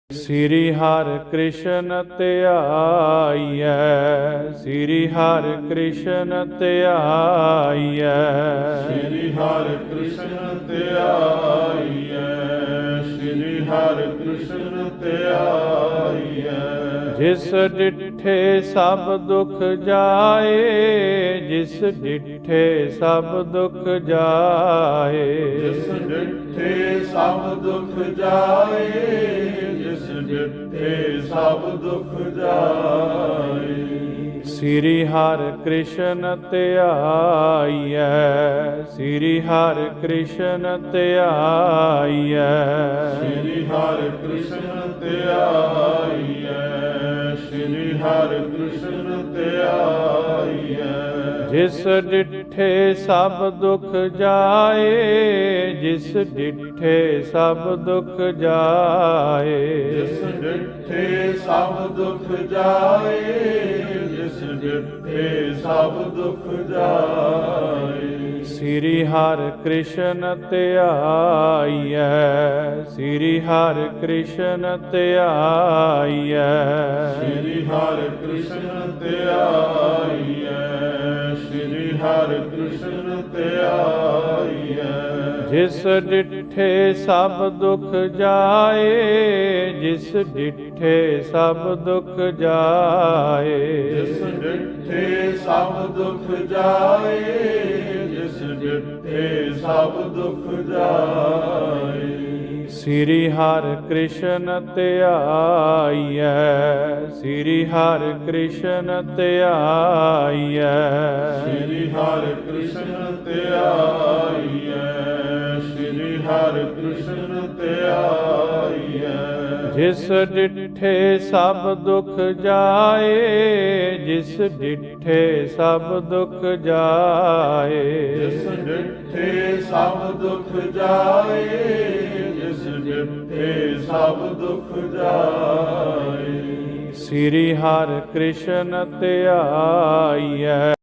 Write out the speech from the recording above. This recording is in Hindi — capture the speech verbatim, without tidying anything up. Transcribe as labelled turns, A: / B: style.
A: श्री हर कृष्ण ਧਿਆਈਐ श्री हर कृष्ण ਧਿਆਈਐ
B: श्री हर कृष्ण ਧਿਆਈਐ श्री हर कृष्ण ਧਿਆਈਐ
A: जिस डिठे सब दुख जाए जिस डिठे सब दुख जाए
B: जिस डिठे सब दुख जाए जिस डिठे सब दुख जाए
A: श्री हर कृष्ण ਧਿਆਈਐ श्री हर कृष्ण ਧਿਆਈਐ
B: श्री हर कृष्ण ਧਿਆਈਐ श्री हर कृष्ण ਧਿਆਈਐ
A: जिस डिठे सब दुख जाए जिस डिठे सब दुख जाए
B: जिस डिठे सब दुख जाए जिस डिठे सब दुख जाए
A: श्री हर कृष्ण ਧਿਆਈਐ श्री हर कृष्ण ਧਿਆਈਐ
B: श्री हर कृष्ण ਧਿਆਈਐ श्री हर कृष्ण ਧਿਆਈਐ
A: जिस डिठे सब दुख जाए जिस डिठे सब दुख जाए
B: जिस डिठे सब दुख जाए जिस डिठे सब दुख जाए
A: श्री हर कृष्ण ਧਿਆਈਐ श्री हर कृष्ण ਧਿਆਈਐ
B: श्री हर कृष्ण ਧਿਆਈਐ श्री हर कृष्ण ਧਿਆਈਐ
A: जिस डिठे सब दुख जाए जिस डिठे सब दुख जाए
B: जिस डिठे सब दुख जाए जिस डिठे सब दुख जाए
A: श्री हर कृष्ण ਧਿਆਈਐ